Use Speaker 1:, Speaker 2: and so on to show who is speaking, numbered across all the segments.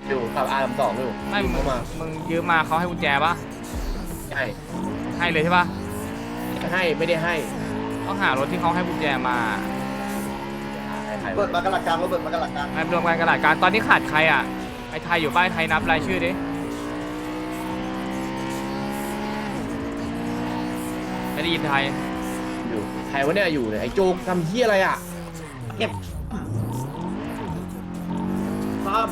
Speaker 1: อยู่ขับR32อยู่
Speaker 2: ไม่มึ
Speaker 1: เข้าง มา
Speaker 2: มึงยืมมาเขาให้กุญแจปะ
Speaker 1: ใช่
Speaker 2: ให้เลยใช่ปะ
Speaker 1: ให้ไม่ได้ให้
Speaker 2: ต้องหารถที่เขาให้กุญแจมา
Speaker 1: ให้ใคร
Speaker 3: เปิดมากระหลักกลางเปิดมากระหลักกลาง
Speaker 2: ไอ้รวมกันกระดาษการตอนนี้ขาดใครอ่ะไอ้ไทยอยู่บ้านไทยนับรายชื่อดิไม่ได้ยินไทย
Speaker 1: อยู่ใครวะเนี่ยอยู่เนี่ยไอ้โจกทำเหี้ยอะไรอ่ะ
Speaker 3: เก็บพร้อม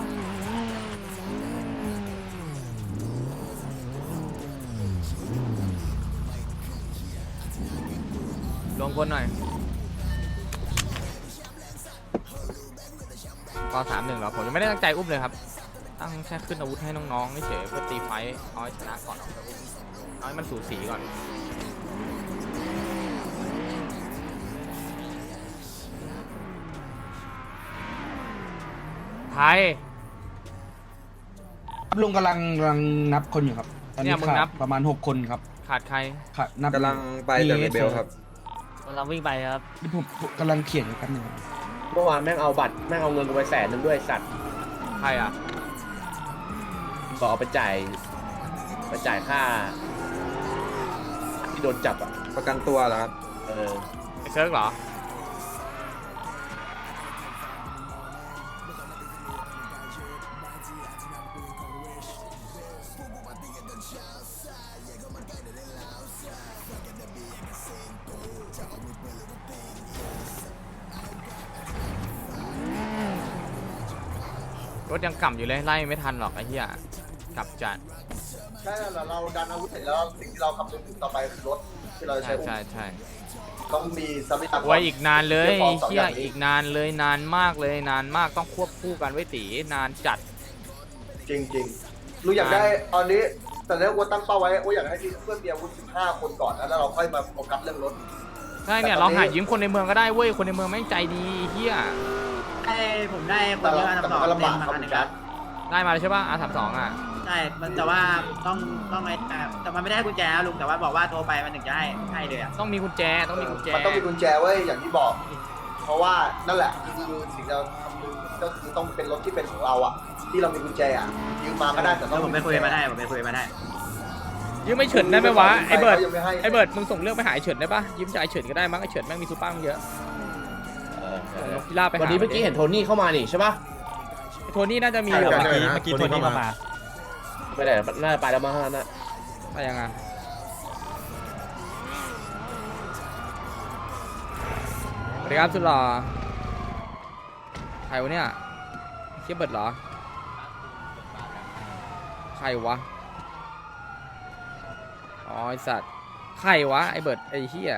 Speaker 2: รวมคนหน่อยก็3-1เหรอผมยังไม่ได้ตั้งใจอุ้มเลยครับตั้งแค่ขึ้นอาวุธให้น้องๆเฉยๆเพื่อตีไฟท์เอาให้ชนะก่อนเอาให้มันสูสีก่อนไทย
Speaker 4: ลุงกำลังนับคนอยู่ครับตอน
Speaker 2: เนี่
Speaker 4: นี้
Speaker 2: ยมึง
Speaker 4: ขา
Speaker 2: นั
Speaker 4: ด
Speaker 2: บ
Speaker 4: ประมาณ6 คนครับ
Speaker 2: ขาดใคร
Speaker 4: ขาดนับ
Speaker 5: กำลังไปจากเรเบลครับ
Speaker 6: เราวิ่งไปครับ
Speaker 4: นี่ผมกำลังเขียนอยู่กันหนึ่ง
Speaker 1: เมื่อวานแม่งเอาบัตรแม่งเอาเงินกูไป100,000ด้วยสัตว์
Speaker 2: ใครอ่ะ
Speaker 1: บอกเอาไปจ่ายค่าที่โดนจับอ่ะ
Speaker 5: ประกันตัวเหรอครับ
Speaker 1: เออ
Speaker 2: ไอ้เซิร์กเหรอ รถยังกล่ำอยู่เลยไล่ไม่ทันหรอกไอ้เหี้ยกลับจัด
Speaker 3: ใช่แล้วเราดันอาวุธเสร็จแล้วสิ่งที่เราคำนึงถึงต่อไปคือรถที่เราจะ
Speaker 2: ใช่
Speaker 3: ใช้
Speaker 2: ใช่
Speaker 3: ต้องมีทรัพยากร
Speaker 2: ไว้อีกนานเลย
Speaker 3: เรื่องของสอง
Speaker 2: เหี้ย
Speaker 3: อย่างนี้
Speaker 2: อีกนานเลยนานมากเลยนานมากต้องควบคู่กันไว้ตีนานจัด
Speaker 3: จริงๆลุงอยากได้ตอนนี้แต่แล้วว่าตั้งเป้าไว้ว่าอยากให้ที่เพื่อนมีอาวุธ15 คนก่อนนะแล้วเราค่อยมาโฟกัสเรื่องรถ
Speaker 2: ใช่เนี่ย
Speaker 3: แต่ต
Speaker 2: เรา
Speaker 3: อนนี้
Speaker 2: หายืมคนในเมืองก็ได้เว้ยคนในเมืองแม่งใจดีเฮีย
Speaker 6: ผมได้คนที่มาทำต่อ
Speaker 3: แต่มันก็ลำบาก
Speaker 6: มา
Speaker 3: ครับ
Speaker 6: คันหนึง
Speaker 3: ค
Speaker 6: ค
Speaker 3: รั
Speaker 6: รับ บ
Speaker 2: ได้มาแล้วใช่ป่ะR32อ่ะ
Speaker 6: ใช่มันแต่ว่าต้องไอ้แต่มันไม่ได้ให้กุญแจลุงแต่ว่าบอกว่าโทรไปมันถึงจะให้เลยอ่ะ
Speaker 2: ต้องมีกุญแจต้องมีกุญแจ
Speaker 3: มันต้องมีกุญแจไว้อย่างที่บอก เพราะว่านั่นแหละคือสิ่งเราทำก็คือต้องเป็นรถที่เป็นของเราอ่ะ ที่เรามีกุญแจอ่ะยืมมาก็ได้แต่ต้
Speaker 6: แล้
Speaker 3: อง
Speaker 6: วผมไปคุยมาได้ผมไปคุยมาได้
Speaker 2: ยืมไม่เฉินได้ไหมวะไอ้เบิร์ด
Speaker 3: ยังม่ให้
Speaker 2: ไอ้เบิร์ดมึงส่งเรื่องไปหาไอ้เฉินได้ป่ะยืมจากไอ้เฉินก็ได้มั้งไอ้เฉินแม่งมีซูเปอร์มึงเยอะ ส่งนกพิราบไปหา
Speaker 1: วันนี้เมื่อกี้เห็นโทนี่เข้ามานี่ใช่ปะ
Speaker 2: ไอ้โทนี่น่าจะมี
Speaker 5: ใช่
Speaker 2: อยู่
Speaker 5: ครับ
Speaker 2: อะ
Speaker 5: เมื่อกี้โทนี่เข้ามา
Speaker 1: ไปไหนน่าจะไปแล้วมั้งน่ะ
Speaker 2: ไปยังไงสวัสดีครับสุดหล่อใครวะเนี่ยเชี่ยเบิร์ดเหรอใครวะอ๋อไอสัตว์ใครวะไอเบิร์ดไอเหี้ย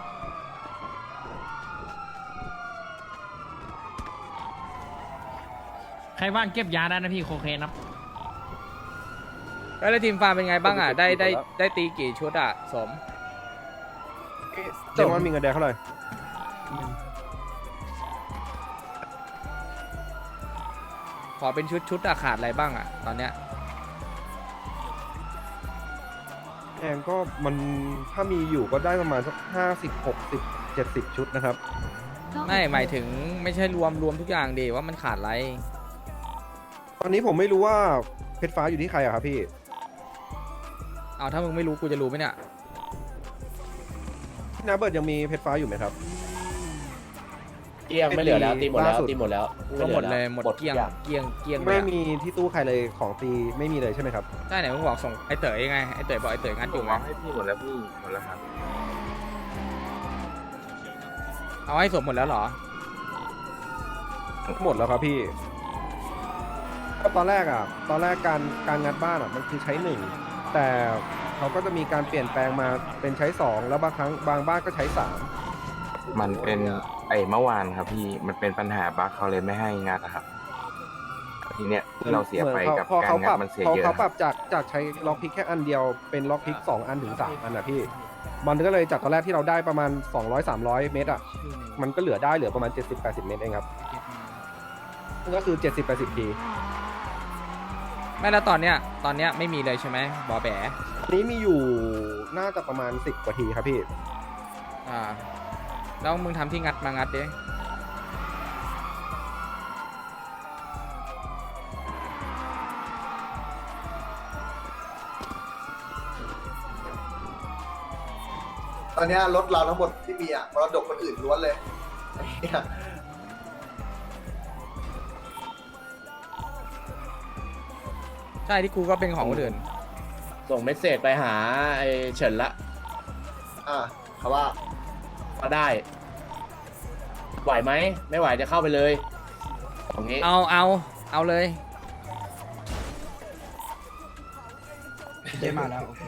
Speaker 7: ใครว่างเก็บยาได้นะพี่โคเคนครับ
Speaker 2: แล้วทีมฟาร์มเป็นไงบ้างอ่ะได้ตีกี่ชุดอ่ะสม
Speaker 5: เจ้ามันมีเงินแดงเท่าไหร่
Speaker 2: ขอเป็นชุดอะขาดอะไรบ้างอ่ะตอนเนี้ย
Speaker 5: แดงก็มันถ้ามีอยู่ก็ได้ประมาณสัก50 60 70 ชุดนะครับ
Speaker 2: ไม่หมายถึงไม่ใช่รวมทุกอย่างดีว่ามันขาดอะไร
Speaker 5: ตอนนี้ผมไม่รู้ว่าเพชรฟ้าอยู่ที่ใครอะครับพี่
Speaker 2: เอาถ้ามึงไม่รู้กูจะรู้ไหมเนี่ย
Speaker 5: พี่นาเบิร์ดยังมีเพชรฟ้าอยู่ไหมครับ
Speaker 1: เกลี้ยงไม่เหลือแล้วตีหมดแล้ว
Speaker 5: ล่าสุด
Speaker 1: ตีหมดแล้ว
Speaker 2: ก็หมดเลยหมด
Speaker 1: หมด
Speaker 2: เกลี้ยง
Speaker 1: ทุอย่าง
Speaker 2: เกลี้ยงเกลี้ยงเล
Speaker 5: ไม่
Speaker 2: ยอะ
Speaker 5: มีที่ตู้ใครเลยของตีไม่มีเลยใช่ไหมครับ
Speaker 2: ใช่ไหนมึงบอกส่งไอเต๋อไงไอเต๋อบอกไอเต๋องัดอยู่ไง
Speaker 5: ให้พี่หมดแล้วพี่หมดแล้วครับ
Speaker 2: เอาให้สมหมดแล้วเหรอ
Speaker 5: หมดแล้วครับพี่ก็ตอนแรกการงัดบ้านอ่ะมันคือใช้หนึ่งแต่เขาก็จะมีการเปลี่ยนแปลงมาเป็นใช้สองแล้วบางครั้งบางบ้านก็ใช้สาม
Speaker 8: มันเป็นเมื่อวานครับพี่มันเป็นปัญหาบั๊กเขาเลยไม่ให้งัดอะครับทีเนี้ยที่เราเสียไปกับ
Speaker 5: พอ
Speaker 8: การ
Speaker 5: เขา
Speaker 8: งั
Speaker 5: ปรั
Speaker 8: ด
Speaker 5: บ
Speaker 8: มันเสีย
Speaker 5: พอ
Speaker 8: เยอะ
Speaker 5: เขาป
Speaker 8: ค
Speaker 5: รั
Speaker 8: รั
Speaker 5: บบจากใช้ล็อกพิกแค่อันเดียวเป็นล็อกพิก2 อันถึง3 อันนะพี่มันก็เลยจากตอนแรกที่เราได้ประมาณ200-300 เมตรอ่ะมันก็เหลือประมาณ70-80 เมตรเองครับก็คือ70-80 ที
Speaker 2: ไม่แล้วตอนเนี้ยไม่มีเลยใช่ไหมบอแบ
Speaker 5: อันนี้มีอยู่น่าจะประมาณ10 กว่าทีครับพี่
Speaker 2: อ่าแล้วมึงทำที่งัดมางัดดิ
Speaker 3: อนเนี้ยรถเราทั้งหมดที่มีอะมรดกคนอื่นล้วนเลยเนี่ย
Speaker 2: ใช่ที่กูก็เป็นของคนอื่น
Speaker 1: ส่งเมสเซจไปหาไอ้เฉินละ
Speaker 3: เขาว่า
Speaker 1: ก็ได้ ไหวไหมไม่ไหวจะเข้าไปเลยอย่างงี้
Speaker 2: เอาเลย
Speaker 4: ได้มาแล้วโอเค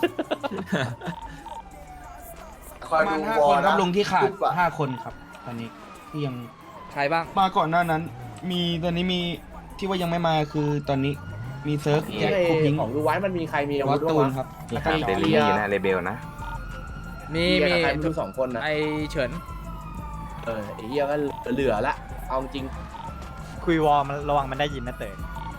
Speaker 3: คอย
Speaker 4: ประมา
Speaker 3: ดู
Speaker 4: ณ
Speaker 3: วอ
Speaker 4: 5 คน
Speaker 3: ล
Speaker 4: ครับ
Speaker 3: นะ
Speaker 4: ลุงที่ขาด
Speaker 3: ขึ้นกว่า
Speaker 4: 5 คนครับ ตอนนี้ที่ยัง
Speaker 2: ใครบ้าง
Speaker 4: มาก่อนหน้านั้น มีตอนนี้มีที่ว่ายังไม่มาคือตอนนี้มีเซิร์ฟแจ็ค
Speaker 1: ไอ้
Speaker 4: คูพิง
Speaker 1: ของดูไว้มันมีใครมีอา
Speaker 4: วั
Speaker 1: วุ
Speaker 4: ต
Speaker 1: ธบ้าง
Speaker 4: ตูน
Speaker 1: วะ
Speaker 4: ครับ
Speaker 8: มี
Speaker 4: แล้ว
Speaker 8: หา
Speaker 4: ก็
Speaker 8: เดลี่นะเรเบลนะ
Speaker 2: มี
Speaker 1: เหี้ยกับใครไม่รู้สองคนนะ
Speaker 2: ไอเฉิน
Speaker 1: ไอ้เหี้ยก็เหลือละเอาจริง
Speaker 9: คุยวอลมันระวังมันได้ยินนะเต๋อ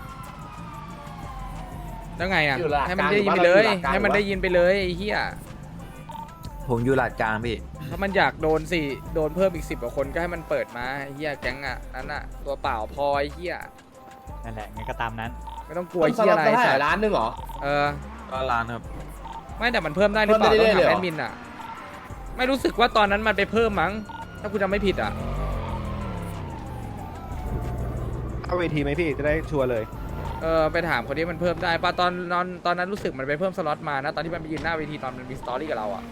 Speaker 2: แล้วไงอ่ะ
Speaker 1: อยู่หลัก
Speaker 2: ให้มันได้ยิน
Speaker 1: ก
Speaker 2: ไป
Speaker 1: ลาง
Speaker 2: เลย
Speaker 1: อยู่หลักกลาง
Speaker 2: ให้มันได้ยินไปเลยไอ้เหี้ย
Speaker 9: ผมอยู่หลาดกลางพี่
Speaker 2: ถ้ามันอยากโดนโดนเพิ่มอีก10 กว่าคนก็ให้มันเปิดมาไอ้เหี้ยแก๊งอ่ะนั่นอ่ะตัวเปล่าพอไอ้เหี้ย
Speaker 9: นั่นแหละงั้นก็ตามนั้น
Speaker 2: ไม่ต้องกลัว
Speaker 1: ต้
Speaker 2: ไอ้
Speaker 1: นส
Speaker 2: เหี้ย
Speaker 1: ล็อต
Speaker 2: อะไร
Speaker 1: ก็ได้
Speaker 2: สัตว์
Speaker 1: ล้านหนึงเหรอ
Speaker 2: เออ
Speaker 9: ก็ร้านครับ
Speaker 2: ไม่แต่มันเพิ่มได้หรือเปล่า
Speaker 1: เพิ่มได้
Speaker 2: ต้อง
Speaker 1: เรื่
Speaker 2: ถา
Speaker 1: อยๆ
Speaker 2: ม
Speaker 1: เหรอ
Speaker 2: แอดมินอ่ะ ไม่รู้สึกว่าตอนนั้นมันไปเพิ่มมั้ง ถ้ากูจำไม่ผิดอ่ะ
Speaker 5: เข้าเวทีไหมพี่จะได้ชัวร์เลย
Speaker 2: ไปถามคนที่มันเพิ่มได้ป่ะตอนนั้นรู้สึกมันไปเพิ่มสล็อตมานะตอนที่มันไปยืนหน้าเวทีตอนมันมีสตอรี่กับเราอ่ะ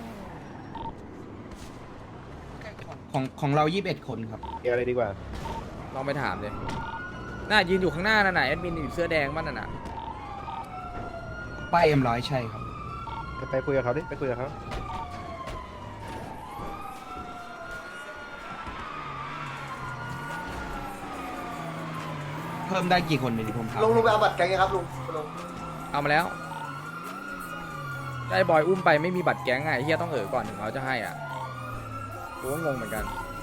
Speaker 4: ของเรา 21 คนครับ
Speaker 5: เกียร์อะไรดีกว่า
Speaker 2: ลองไปถามเลยน่ายืนอยู่ข้างหน้านั่นน่ะแอดมินอยู่เสื้อแดงมันน่ะนะ
Speaker 4: ป้ายM100ใช่ครับ
Speaker 5: ไปคุยกับเขาดิไปคุยกับเขา
Speaker 4: เพิ่มได้กี่คนเนี่ยที่ผมถาม
Speaker 3: ลุงไปเอาบัตรแกงยังครับลุง
Speaker 2: เอามาแล้วได้บอยอุ้มไปไม่มีบัตรแก๊งไงเฮียต้องก่อนถึงเขาจะให้อ่ะกูก็งงเหมือนกัน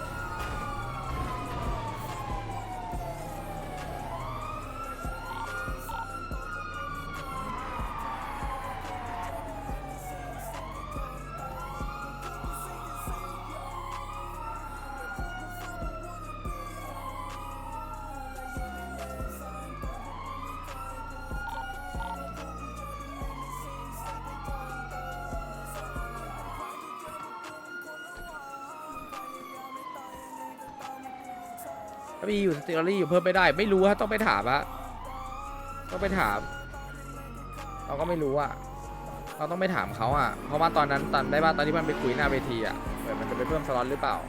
Speaker 2: ถ้ามีอยู่สตอรี่อยู่เพิ่มไม่ได้ ไม่รู้ฮะต้องไปถามอะต้องไปถาม เราก็ไม่รู้อะเราต้องไปถามเขาอะเพราะว่าตอนนั้นตอนได้ว่าตอนที่มันไปคุยหน้าเวทีอะมันจะไปเพิ่มสล็อตหรือเปล่า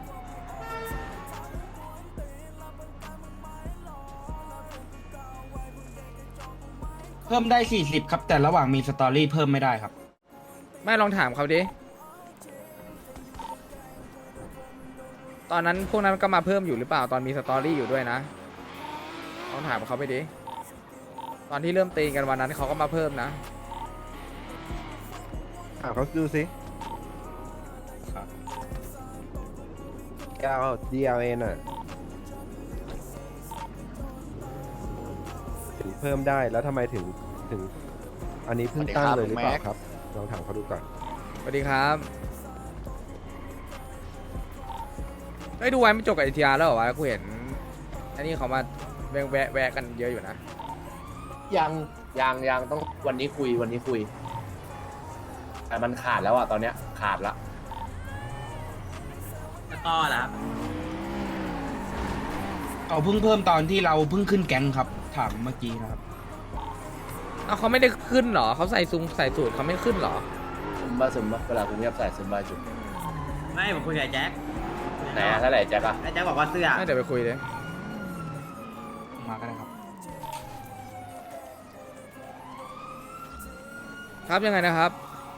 Speaker 4: เพิ่มได้ 40 ครับ แต่ระหว่างมีสตอรี่เพิ่มไม่ได้ครับ
Speaker 2: ไม่ลองถามเขาดิตอนนั้นพวกนั้นก็มาเพิ่มอยู่หรือเปล่าตอนมีสตอรี่อยู่ด้วยนะลองถามเขาไปดิตอนที่เริ่มตีกันวันนั้นเขาก็มาเพิ่มนะ
Speaker 5: ถามเขาดูสิ DLN อ่ะถึงเพิ่มได้แล้วทำไมถึงอันนี้เพิ่งตั้งเลยหรือเปล่าครับลองถามเขาดูก่อน
Speaker 2: สวัสดีครับได้ดูไว้ไม่จบกับ ATR แล้วเหรอวะกูเห็นอันนี้เขามาแวะกันเยอะอยู่นะ
Speaker 1: ยังต้องวันนี้คุยแต่มันขาดแล้วอะตอนเนี้ยขาดละ
Speaker 6: แล้วก็ล่ะครับ
Speaker 4: เขาเพิ่งเพิ่มตอนที่เราเพิ่งขึ้นแก๊งครับ ถามเมื่อกี้นะครับ
Speaker 2: เอาเขาไม่ได้ขึ้นเหรอเขาใส่สูตรเขาไม่ขึ้นเหรอ
Speaker 1: ซึมบ้าเวลาคุณเงียบใส่ซึมบ้าจุด
Speaker 6: ไม่ผมคุยกับไอ้แจ็ค
Speaker 1: ไหนอะถ้าไหนแจ็คอะ
Speaker 6: ไอ้แจ็คบอกว่าเสื้อ
Speaker 2: ไม่เดี๋ยวไปคุยเลย
Speaker 4: มาก็ได้ครับ
Speaker 2: ครับยังไงนะครับ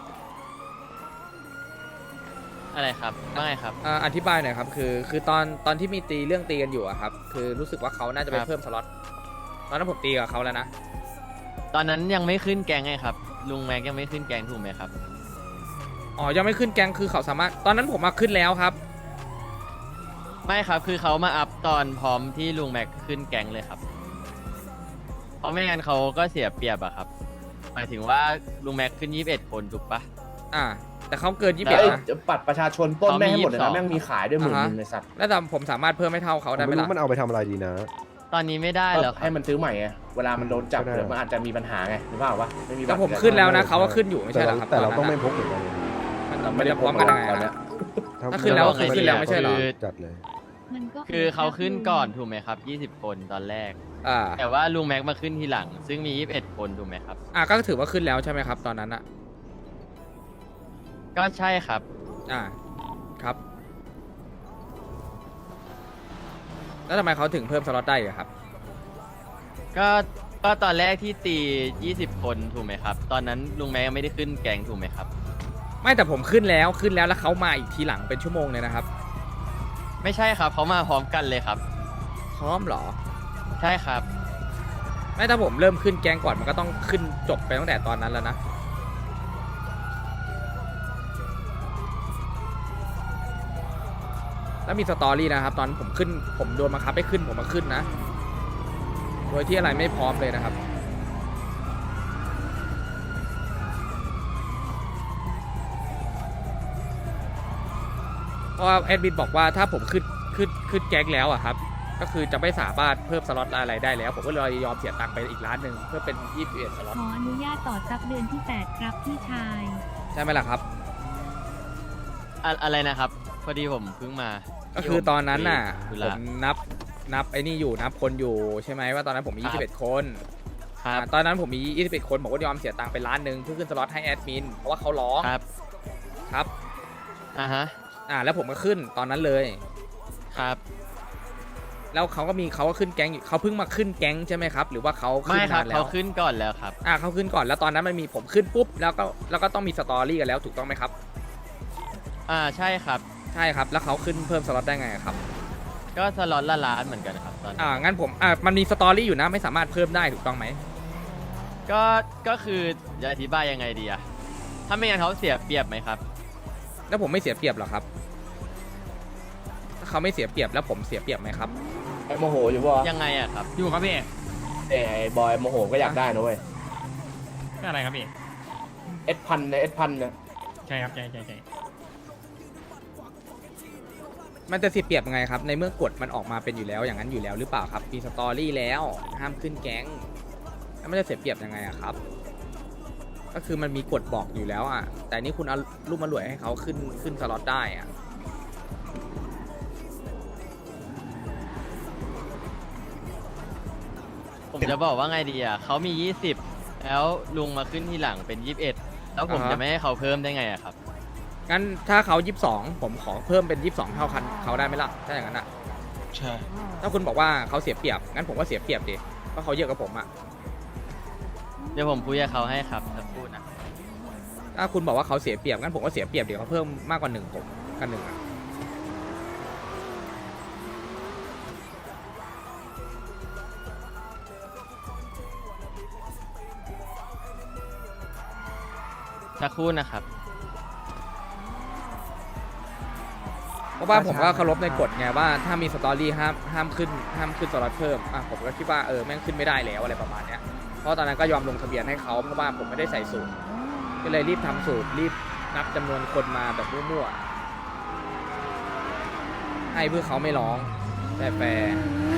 Speaker 9: อะไรครับว่าไงครับ
Speaker 2: อธิบายหน่อยครับคือตอนที่มีเรื่องตีกันอยู่อะครับคือรู้สึกว่าเขาน่าจะไป
Speaker 9: ครับ
Speaker 2: เพิ่มสล็อตตอนนั้นผมตีกับเขาแล้วนะ
Speaker 9: ตอนนั้นยังไม่ขึ้นแกงไงครับ ลุงแม็กยังไม่ขึ้นแกงถูกไหมครับ
Speaker 2: อ๋อยังไม่ขึ้นแกงคือเขาสามารถตอนนั้นผมมาขึ้นแล้วครับ
Speaker 9: ไม่ครับคือเขามาอัพตอนพร้อมที่ลุงแม็กขึ้นแกงเลยครับเพราะไม่งั้นเขาก็เสียเปรียบอะครับหมายถึงว่าลุงแม็กขึ้น21 คนถูกปะ
Speaker 2: แต่เขาเกิน
Speaker 1: เฮ้ย
Speaker 2: 21นะ
Speaker 1: ปัดประชาชนปล้นแม่งให้หมดเลยนะ
Speaker 9: เขามี22
Speaker 1: แม่งมีขายด้วยหมื่น
Speaker 2: อ่าฮะ
Speaker 1: นึงในสัตว์
Speaker 2: แล้วแต่ผมสามารถเพิ่มให้เท่าเขา
Speaker 5: ผม
Speaker 2: ได้ไหม
Speaker 5: ไม่รู้
Speaker 2: ล่ะ
Speaker 5: มันเอาไปทำอะไรดีนะ
Speaker 9: ตอนนี้ไม่ได้แล้วครั
Speaker 1: ให้
Speaker 9: บ
Speaker 1: มันซื้อใหม่ไงเวลามันโดนจับ
Speaker 5: ก็ได้
Speaker 1: เดี๋ยวมันอาจจะมีปัญหาไงหรือเปล่าวะไม่มีบัต
Speaker 2: แต่
Speaker 1: ร
Speaker 2: ผมขึ้นแล้วนะเขาก็ขึ้นอยู่ไม่
Speaker 5: แต่
Speaker 2: ใช่เหร
Speaker 5: เรา
Speaker 2: อครับ
Speaker 5: แต่เรา
Speaker 2: นนั้น
Speaker 5: ต้องไม่
Speaker 2: น่ะ
Speaker 5: พกเหมือนกัน
Speaker 2: มันมันจะพร้อมกันยังไง
Speaker 1: ตอนเนี้
Speaker 2: อะ
Speaker 1: ย
Speaker 2: ถ้าขึ้นแล้วก็คือขึ้นแล้วไม่ใช่เหรอ
Speaker 5: จัดเลย
Speaker 9: คือเขาขึ้นก่อนถูกไหมครับ 20 คนตอนแรก
Speaker 2: อ่า
Speaker 9: แต่ว่าลุงแม็กมาขึ้นทีหลัง ซึ่งมี 21 คนถูกไหมครับ
Speaker 2: ก็ถือว่าขึ้นแล้วใช่ไหมครับตอนนั้นอ่ะ
Speaker 9: ก็ใช่ครับ
Speaker 2: ครับ แล้วทำไมเขาถึงเพิ่มสล็อตได้อะครับ
Speaker 9: ก็ตอนแรกที่ตี 20 คนถูกไหมครับ ตอนนั้นลุงแม็กยังไม่ได้ขึ้นแกงถูกไหมครับ
Speaker 2: ไม่แต่ผมขึ้นแล้วแล้วเขามาอีกทีหลังเป็นชั่วโมงเลยนะครับ
Speaker 9: ไม่ใช่ครับเขามาพร้อมกันเลยครับ
Speaker 2: พร้อมเหรอ
Speaker 9: ใช่ครับ
Speaker 2: ไม่ถ้าผมเริ่มขึ้นแกงก่อนมันก็ต้องขึ้นจบไปตั้งแต่ตอนนั้นแล้วนะ แล้วมีสตอรี่นะครับ ตอนผมขึ้นผมโดนบังคับให้ขึ้นผมมาขึ้นนะ โดยที่อะไรไม่พร้อมเลยนะครับ เพราะว่าแอดมินบอกว่าถ้าผมขึ้นแก๊งแล้วอะครับ ก็คือจะไม่สามารถเพิ่มสล็อตอะไรได้แล้ว ผมก็เลยยอมเสียตังค์ไปอีกล้านหนึ่งเพื่อเป็น21สล็อต
Speaker 10: ขออนุญาตต่อซับเดือนที่ 8 ครับพี่ชาย
Speaker 2: ใช่ไหมล่ะครับ
Speaker 9: อะไรนะครับ พอดีผมเพิ่งมา
Speaker 2: ก็คือตอนนั้นน่ะ
Speaker 9: ธุ
Speaker 2: ผ
Speaker 9: ระ
Speaker 2: มนับไอ้นี่อยู่นับคนอยู่ใช่ไหมว่าตอนนั้นผมมี
Speaker 9: ครับ
Speaker 2: 21 คน
Speaker 9: ครับ
Speaker 2: ตอนนั้นผมมี 21 คนผมก็ยอมเสียตังค์ไปล้านหนึ่งเพื่อขึ้นสล็อตให้แอดมินเพราะว่าเขาร้อง
Speaker 9: ครับ
Speaker 2: ครับ
Speaker 9: ฮะ
Speaker 2: แล้วผมก็ขึ้นตอนนั้นเลย
Speaker 9: ครับ
Speaker 2: แล้วเขาก็ขึ้นแก๊งอยู่เขาเพิ่งมาขึ้นแก๊งใช่ไหมครับ หรือว่าเขาขึ้
Speaker 9: ไม่
Speaker 2: น
Speaker 9: ครับ
Speaker 2: นานแล้
Speaker 9: เขา
Speaker 2: ว
Speaker 9: ขึ้นก่อนแล้วครับ
Speaker 2: เขาขึ้นก่อนแล้วตอนนั้นมันมีผมขึ้นปุ๊บแล้วก็ต้องมีสตอรี่กันแล้วถูกต้องไหมครับ
Speaker 9: ใช่ครับ
Speaker 2: ใช่ครับแล้วเขาขึ้นเพิ่มสล็อตได้ไงครับ
Speaker 9: ก็สล็อตละล้านเหมือนกันครับตอนนี้
Speaker 2: งั้นผมมันมีสตอรี่อยู่นะไม่สามารถเพิ่มได้ถูกต้องไหม
Speaker 9: ก็คือจะอธิบายยังไงดีอะถ้าไม่งั้นเขาเสียเปรียบไหมครับ
Speaker 2: แล้วผมไม่เสียเปรียบหรอครับถ้าเขาไม่เสียเปรียบแล้วผมเสียเปรียบไหมครับ
Speaker 1: ไอ้โมโหอยู่ป่ะ
Speaker 9: ยังไงอะครับ
Speaker 7: อยู่ครับพี่
Speaker 1: แต่ไอ้บอยโมโหก็อยากได้นะเว้ย
Speaker 7: ก็อะไรครับพี่
Speaker 1: เอสพันเนี่ย
Speaker 7: ใช่ครับใช่
Speaker 2: มันจะเสียเปรียบยังไงครับในเมื่อกฎมันออกมาเป็นอยู่แล้วอย่างนั้นอยู่แล้วหรือเปล่าครับมีสตอรี่แล้วห้ามขึ้นแก๊งแล้วมันจะเสียเปรียบยังไงอะครับ ก็คือมันมีกฎบอกอยู่แล้วอ่ะแต่นี่คุณเอารูปมารวยให้เขาขึ้นสล็อตได้อ่ะ
Speaker 9: ผมจะบอกว่าไงดีอะเขามี 20 แล้วลุงมาขึ้นทีหลังเป็น 21 แล้วผมจะไม่ให้เขาเพิ่มได้ไงอะครับ
Speaker 2: งั้นถ้าเขา22ผมขอเพิ่มเป็น22เท่าคันเขาได้ไหมล่ะถ้าอย่างนั้นอ่ะ
Speaker 4: ใช่
Speaker 2: ถ้าคุณบอกว่าเขาเสียเปรียบงั้นผมก็เสียเปรียบดิเพราะเขาเยอะกว่าผมอ่ะ
Speaker 9: เดี๋ยวผมคุยกับเขาให้ครับสักครู่นะ
Speaker 2: ถ้าคุณบอกว่าเขาเสียเปรียบงั้นผมก็เสียเปรียบเดี๋ยวเขาเพิ่มมากกว่า1ผมกัน1อ่ะ
Speaker 9: สักครู่นะครับ
Speaker 2: เพราะว่าผมก็เคารพในกฎไงว่าถ้ามีสตอรี่ห้ามขึ้นสล็อตเพิ่มผมก็คิดว่าแม่งขึ้นไม่ได้แล้วอะไรประมาณเนี้ยเพราะตอนนั้นก็ยอมลงทะเบียนให้เขาเพราะว่าผมไม่ได้ใส่สูตรก็เลยรีบทำสูตรรีบนับจำนวนคนมาแบบมั่วๆให้เพื่อเขาไม่ร้องแฟร์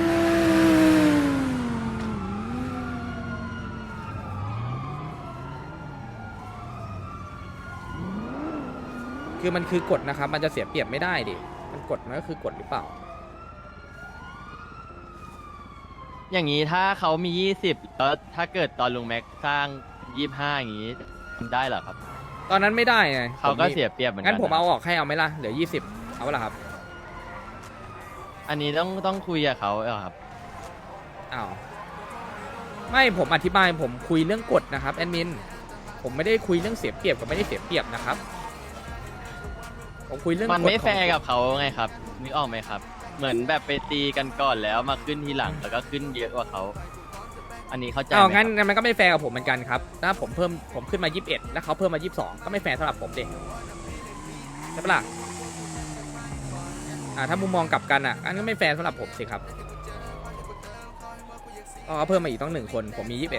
Speaker 2: คือมันคือกฎนะครับมันจะเสียเปรียบไม่ได้ดิมันกฎมันก็คือกฎหรือเปล่า
Speaker 9: อย่างนี้ถ้าเขามี 20 แล้วถ้าเกิดตอนลุงแม็กสร้าง 25 อย่างนี้ได้เหรอครับ
Speaker 2: ตอนนั้นไม่ได้ไง
Speaker 9: เขาก็เสียเปรียบเหมือนกั
Speaker 2: งั้นผม
Speaker 9: นะ
Speaker 2: เอาออกให้เอาไหมล่ะเหลือ20เอาเปล่าครับ
Speaker 9: อันนี้ต้องคุยกับเขาเหรอครับ
Speaker 2: อ้าวไม่ผมอธิบายผมคุยเรื่องกฎนะครับแอดมินผมไม่ได้คุยเรื่องเสียเปรียบกับไม่ได้เสียเปรียบนะครับผมคุยเรื่อง
Speaker 9: มัน
Speaker 2: กฎ
Speaker 9: ไม่แฟร์
Speaker 2: ของ
Speaker 9: กับเขาไงครับนึกออกไหมครับ เหมือนแบบไปตีกันก่อนแล้วมาขึ้นทีหลังแล้วก็ขึ้นเยอะกว่าเขาอันนี้เข้าใจไหม
Speaker 2: งั้น
Speaker 9: ครับ
Speaker 2: มันก็ไม่แฟร์กับผมเหมือนกันครับถ้าผมขึ้นมา21แล้วเขาเพิ่มมา22ก็ไม่แฟร์สำหรับผมเด็กใช่ปะล่ะถ้ามุมมองกลับกันอันก็ไม่แฟร์สำหรับผมสิครับเพราะเขาเพิ่มมาอีกต้อง1คนผมมี21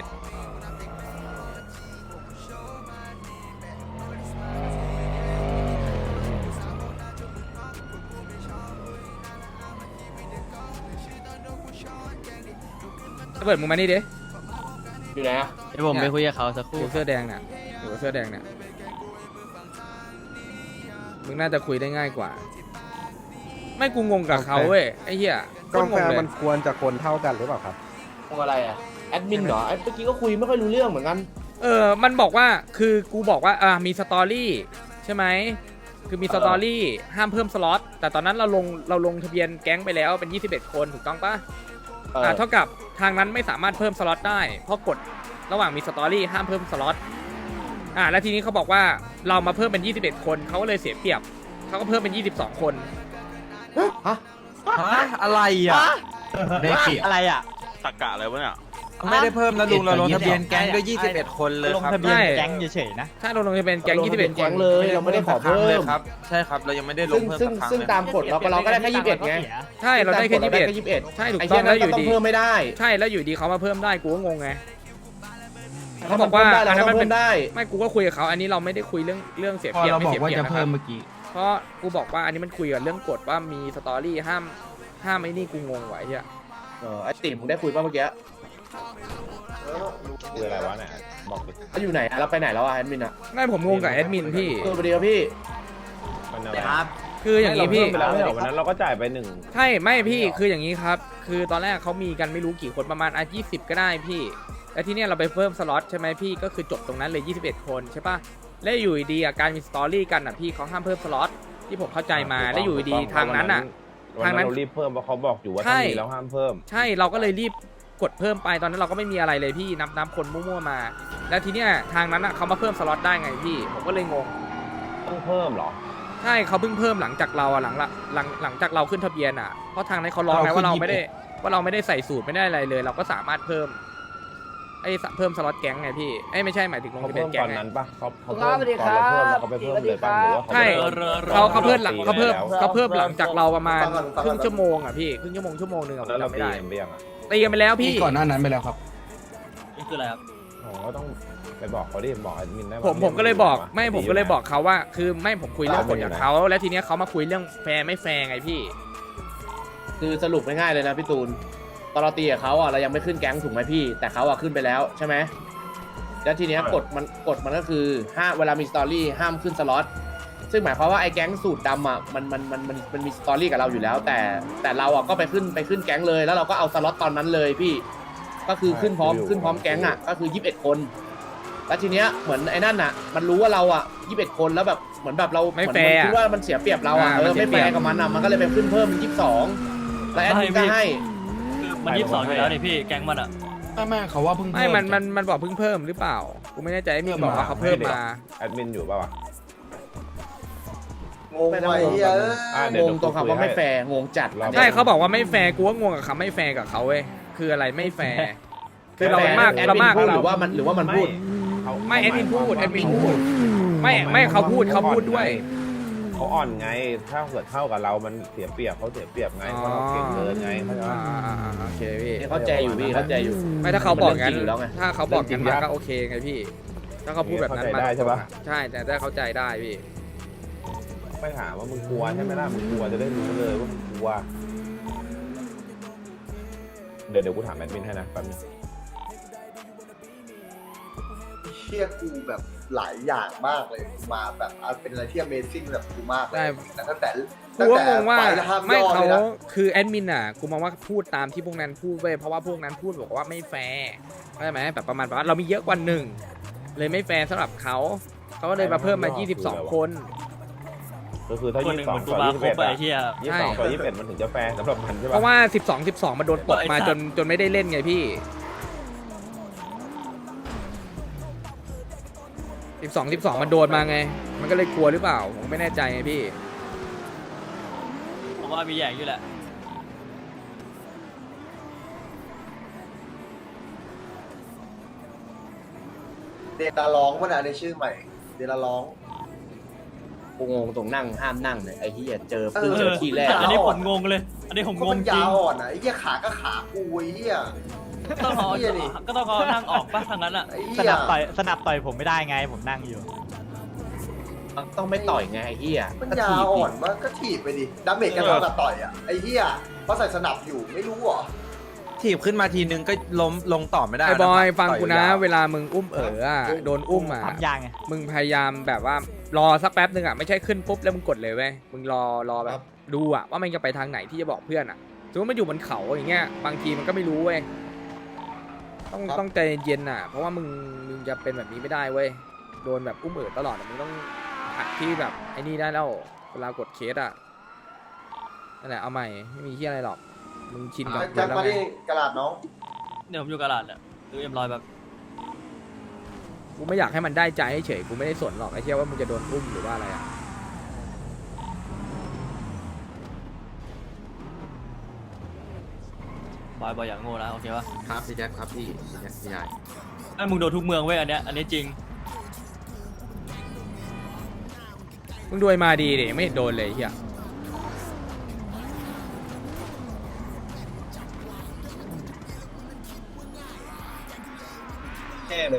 Speaker 2: เปิดมึงมานี่ดิ
Speaker 1: อยู่ไหนอะ
Speaker 9: เดี๋ยวผมไปคุยกับเขาสักค
Speaker 2: อ
Speaker 9: รู่
Speaker 2: ยู่เสื้อแดงเนี่ยอยู่เสื้อแดงเนี่ยมึงน่าจะคุยได้ง่ายกว่า ไม่กูงงกับเขาเว้ยไอ้เหี้ย
Speaker 5: กอง
Speaker 2: ง
Speaker 5: แฟ
Speaker 2: งเลย
Speaker 5: มันควรจะคนเท่ากันหรือเปล่าครับ
Speaker 1: ทำอะไรอ่ะแอดมินเหรอเมื่อกี้ก็คุยไม่ค่อยรู้เรื่องเหมือนกัน
Speaker 2: มันบอกว่าคือกูบอกว่ามีสตอรี่ใช่ไหมคือมีสตอรี่ห้ามเพิ่มสล็อตแต่ตอนนั้นเราลงทะเบียนแก๊งไปแล้วเป็น21คนถูกต้องปะเท่ากับทางนั้นไม่สามารถเพิ่มสล็อตได้เพราะกฎระหว่างมีสตอรี่ห้ามเพิ่มสล็อตแล้วทีนี้เขาบอกว่าเรามาเพิ่มเป็น21คนเขาก็เลยเสียเปรียบเขาก็เพิ่มเป็น22คน
Speaker 4: อะไรอ่ะ
Speaker 9: ได้เปรียบ
Speaker 6: อะไรอ่ะ
Speaker 4: ตักกะอะไรวะเนี่ย
Speaker 9: ไม่ได้เพิ่มนะลุงเราลงทะเบียนแก๊งด้วย21คนเลยครับ
Speaker 2: ใช่แก๊งเฉยๆนะถ้าเราลงทะเบียนแก๊ง21
Speaker 1: แก๊งเลยเราไม่ได้ขอเพิ่ม
Speaker 8: ครับใช่ครับเรายังไม่ได้ลงเพิ่ม
Speaker 1: ซึ่งตามกฎเราก็ได้แค่21ไง
Speaker 2: ใช่เราได้แค่
Speaker 1: 21
Speaker 2: 21ใช่ถูก
Speaker 1: ไอ้
Speaker 2: ต้
Speaker 1: เหี้
Speaker 2: อย ง
Speaker 1: นั่
Speaker 2: แล้ว
Speaker 1: น
Speaker 2: อยู่
Speaker 1: ก็ต้อง
Speaker 2: ดี
Speaker 1: เพิ่มไม่ได้
Speaker 2: ใช่แล้วอยู่ดีเขามาเพิ่มได้กูก็งงไง
Speaker 1: เขาบอกว่าอันนั้นมันเพิ่มได้
Speaker 2: ไม่กูก็คุยกับเขาอันนี้เราไม่ได้คุยเรื่องเสีย
Speaker 4: พอ
Speaker 2: เปรียบ
Speaker 4: เรา
Speaker 2: ไม่
Speaker 4: บอก
Speaker 2: เสีย
Speaker 4: ว่า
Speaker 2: เปรียบ
Speaker 4: จะ
Speaker 2: นะค
Speaker 4: เพิ่
Speaker 2: รับ
Speaker 4: มเมื่อกี้
Speaker 2: เพราะกูบอกว่าอันนี้มันคุยกับเรื่องกฎว่ามีสตอรี่ห้ามไอ้นี่กูงงไว้เหี้ย
Speaker 1: ไอ้ติ๋มมึงได้คุยป่ะเมื่อกี้
Speaker 3: คืออะไรวะเนี่ยบอกดิ
Speaker 1: เขาอยู่ไหนเราไปไหนแล้วอะแอดมินอะ
Speaker 2: ไม่ผมงงกับแอดมินพี่
Speaker 1: สวัสดีครับพี่
Speaker 6: ครับ
Speaker 2: คืออย่างนี้พี่
Speaker 3: วันนั้นเราก็จ่ายไปหนึ่ง
Speaker 2: ใช่ไม่พี่คืออย่างนี้ครับ คือตอนแรกเขามีกันไม่รู้กี่คนประมาณ20ก็ได้พี่แล้วทีเนี้ยเราไปเพิ่มสล็อตใช่ไหมพี่ก็คือจบตรงนั้นเลย21คนใช่ปะแล้วอยู่ดีๆการมีสตอรี่กันอ่ะพี่เขาห้ามเพิ่มสล็อตที่ผมเข้าใจมาแล้วอยู่ดีๆทางนั้นอ่ะทางนั้นเรารีบเพิ่มเพราะเขาบอกอยู่ว่าถ้ามีแล้วห้ามเพิ่มใช่เราก็เลยรีบกดเพิ่มไปตอนนั้นเราก็ไม่มีอะไรเลยพี่นับคนมั่วๆมา แล้วทีเนี้ยทางนั้นอ่ะเขามาเพิ่มสล็อตได้ไงพี่ผมก็เลยงงต้องเพิ่มหรอใช่เขาเพิ่งเพิ่มหลังจากเราอ่ะหลังจากเราขึ้นทะเบียนอ่ะเพราะทางนั้นเขาร้องไงว่าเราไม่ได้ใส่สูตรไม่ได้อะไรเลย เราก็สามารถเพิ่มเพิ่มสล็อตแก๊งไงพี่ไม่ใช่หมายถึงลงทะเบียนแก๊งไงเขาเพิ่มตอนเราเพิ่มเราก็ไปเพิ่มเลยป่ะหรือว่าใช่เขาเพิ่มหลังจากเราประมาณครึ่งชั่วโมงอ่ะพี่ครึ่งชั่วโมงนึงอ่ะผมจำไม่ได้ตีกันไปแล้วพี่
Speaker 4: ก่อนหน้านั้นไปแล้วครับ
Speaker 6: นี่คืออะไรครับ
Speaker 2: ผมก็เลยบอกผมก็เลยบอกเขาว่าคือไม่ผมคุยเรื่องกฎกับเขาแล้วทีเนี้ยเขามาคุยเรื่องแฟร์ไม่แฟร์ไงพี่
Speaker 1: คือสรุปง่ายๆเลยนะพี่ตูนตอนเราตีกับเขาอ่ะเรายังไม่ขึ้นแก๊งถูกไหมพี่แต่เขาอ่ะขึ้นไปแล้วใช่ไหมแล้วทีเนี้ยกฎมันก็คือเวลามีสตอรี่ห้ามขึ้นสล็อตซึ่งหมายความว่าไอ้แก๊งสูตรดำอ่ะมันมีสตอรี่กับเราอยู่แล้วแต่เราอ่ะก็ไปขึ้นแก๊งเลยแล้วเราก็เอาสล็อตตอนนั้นเลยพี่ก็คือขึ้นพร้อมแก๊งอ่ะก็คือ21คนแล้วทีเนี้ยเหมือนไอ้นั่นอ่ะมันรู้ว่าเราอ่ะ21คนแล้วแบบเหมือนแบบเรา
Speaker 2: ไม่แฟร์
Speaker 1: คิดว่ามันเสียเปรียบเราอ่ะไม่แฟร์กับมันอ่ะมันก็เลยไปขึ้นเพิ่มเป็น22แล้วแอดมินก็ให้
Speaker 6: มัน22อยู่แล้วนี่พี่แก๊งมันอ่ะ
Speaker 4: ไม่เขาว่าเพิ่ง
Speaker 2: ไม่มันบอกเพิ่งเพิ่มหรือเปล่ากูไม่แน่ใจมีบอกว่าเขาเพิ่มมา
Speaker 3: งงไปเหี้ย
Speaker 1: งงตรงคำว่าไม่แฟร์งงจัด
Speaker 2: ใช่เขาบอกว่าไม่แฟร์กูก็งงกับคำไม่แฟร์กับเขาเว้ยคืออะไรไม่แฟร์คือเรามาก
Speaker 1: แอด
Speaker 2: เรา
Speaker 1: มิน
Speaker 2: มาก
Speaker 1: พูดหรือว่ามันพูด
Speaker 2: ไม่แอดมินพูดไม่เขาพูดด้วย
Speaker 11: เขาอ่อนไงถ้าเกิดเท่ากับเรามันเสียเปรียบเขาเสียเปรียบไงเพราะเราเก่งเกินไงเข้าใจปะ
Speaker 2: โอเคพี่
Speaker 1: เข้าใจอยู่พี่เข้าใจอยู่
Speaker 2: ไม่ถ้าเขาบอกงั้น
Speaker 1: มันเรื่องจริงอยู่แล้วไง
Speaker 2: ถ้าเขาบอกงั้น
Speaker 1: เรื่องจริง
Speaker 2: มาก็โอเคไงพี่ ถ้าเขาพูดแบบนั้นมา
Speaker 11: เข้าใจได้ใช่ปะ
Speaker 2: ใช่แต่ได้เข้าใจได้พี่
Speaker 11: ไม่ถามว่ามึงกลัวใช่ไหมล่ะมึงกลัวจะได้รู้เลยว่ามึงกลัวเดี๋ยวกูถามแอดมินให้นะแป๊บนึง
Speaker 3: เชี่ยกูแบบหลายอย่างมากเลยมาแบบเป็นอะไรที่ Amazing แบบกูมากเลยแต่ตั้งแต่
Speaker 2: กูก็งงว่า
Speaker 3: ไฟล์ห้าม
Speaker 2: ไม่
Speaker 3: ย่อ
Speaker 2: เขา
Speaker 3: เลยนะ
Speaker 2: คือแอดมินอ่ะกูมองว่าพูดตามที่พวกนั้นพูดเว้ยเพราะว่าพวกนั้นพูดบอกว่าไม่แฟร์เข้าใจไหมแบบประมาณว่าเรามีเยอะกว่าหนึ่งเลยไม่แฟร์สำหรับเขาก็เลยมาเพิ่มมา22 คน
Speaker 11: ก็คือถ้า
Speaker 6: คนหนึ่ง
Speaker 11: 22
Speaker 6: เหมือนกู
Speaker 11: ต่อ
Speaker 6: มาครบไป
Speaker 11: 21
Speaker 6: ไอ้เหี้ย
Speaker 11: 22ต่อ21มันถึงจะแฟร์สำหรับมันใช่
Speaker 2: เพ
Speaker 11: ปะ
Speaker 2: ราะว่า12มันโดนตกมาจนไม่ได้เล่นไงพี่12มันโดนมาไงมันก็เลยกลัวหรือเปล่าผมไม่แน่ใจไงพี่
Speaker 6: ผมว่ามีแย่งอยู่แหละ
Speaker 3: เดลาร้องวะนะในชื่อใหม่เดลาร้อง
Speaker 1: กูงงตรงนั่งห้ามนั่งเนี่ยไอ้เหี้ยเจอที่แรก
Speaker 6: อันนี้ผมงงเลยอันนี้ผม
Speaker 3: ก็
Speaker 6: ง
Speaker 3: มั
Speaker 6: ง
Speaker 3: น
Speaker 6: จริ
Speaker 3: ยาง วอ่อนอ่ะไอ้เหี้ยขาก็ขากูไอ้เหี้ย
Speaker 6: ต้องเอา
Speaker 3: เหี้ยดิ
Speaker 6: ก็ต้องเอานั่งออกป่ะทางนั้นอ่ะ
Speaker 3: ไอ้เหี้ย
Speaker 6: สนับต่อยผมไม่ได้ไงผมนั่งอยู่
Speaker 1: ต้องไม่ต่อยไงไอ้เหี้ย
Speaker 3: มัน
Speaker 1: ก็
Speaker 3: ยา
Speaker 1: ถี
Speaker 3: ว
Speaker 1: บ
Speaker 3: อ่
Speaker 1: ดิ
Speaker 3: อนมากก็ถีบไปดิดาเมจกันเท่ากับต่อยอ่ะไอ้เหี้ยเพราะใส่สนับอยู่ไม่รู้เหรอ
Speaker 12: ถีบขึ้นมาทีนึงก็ล้มลงต่อไม่ได้
Speaker 2: ไอ้บอย
Speaker 12: นะ
Speaker 2: ฟังกูนะ
Speaker 12: ต่อยยาว
Speaker 2: เวลามึงอุ้มโดนอุ้มอ่ะ
Speaker 9: ทำยางไง
Speaker 2: มึงพยายามแบบว่ารอสักแป๊บนึงอ่ะไม่ใช่ขึ้นปุ๊บแล้วมึงกดเลยเว้ยมึงรอแบบดูอ่ะว่ามันจะไปทางไหนที่จะบอกเพื่อนอ่ะสมมติมันอยู่บนเขาอย่างเงี้ยบางทีมันก็ไม่รู้เว้ยต้องใจเย็นๆอ่ะเพราะว่ามึงจะเป็นแบบนี้ไม่ได้เว้ยโดนแบบอุ้มตลอดอะมึงต้องหัดที่แบบไอ้นี่ได้แล้วเวลากดเคสอ่ะนั่นแหละเอาใหม่ไม่มีที่อะไรหรอกมึงชินกับ
Speaker 3: แจ็ค
Speaker 2: แล้ว
Speaker 3: มา
Speaker 2: ไง
Speaker 3: ที่กระดาษน้อง
Speaker 9: เดี๋ยวผมอยู่กระดาษแหละดูเอ็มร้อยแบบ
Speaker 2: กูไม่อยากให้มันได้ใจเฉยกูไม่ได้สนหรอกไอ้เชี่ยว่ามึงจะโดนอุ้มหรือว่าอะไรอ่ะ
Speaker 9: บอยอย่างโง่นะโอเคปะ
Speaker 1: ครับพี่แจ็คครับพี่ใหญ่
Speaker 9: ไอ้มึงโดนทุกเมืองเว้ยอันนี้จริง
Speaker 2: มึงดูไอ้มาดีดิไม่เห็นโดนเลยไอ้เฮีย
Speaker 3: แค่เลย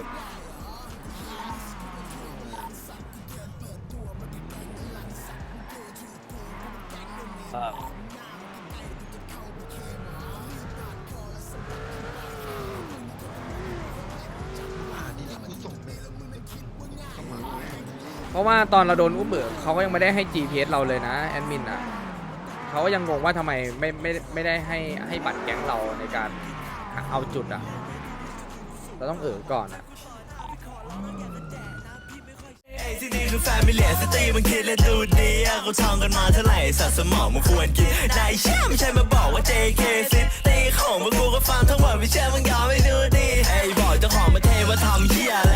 Speaker 2: เพราะว่าตอนเราโดนอุ้มเขาก็ยังไม่ได้ให้ GPS เราเลยนะแอดมินอ่ะเขาก็ยังงงว่าทำไมไม่ได้ให้บัตรแก๊งเราในการเอาจุดอ่ะเราต้องก่อนอ่ะ
Speaker 13: ที่นี่คือแฟมิเลียสตรีมันคิดและดูดีเขาท่องกันมาเท่าไหร่สัตว์สมองมันควรกินนายเชื่อไม่ใช่มาบอกว่า JK ซิตีของมึงกูก็ฟังทั้งหมดไม่เชื่อมึงยอมไม่ดูดีไอ้บอกเจ้าของประเทศว่าทำเหี้ยอะไร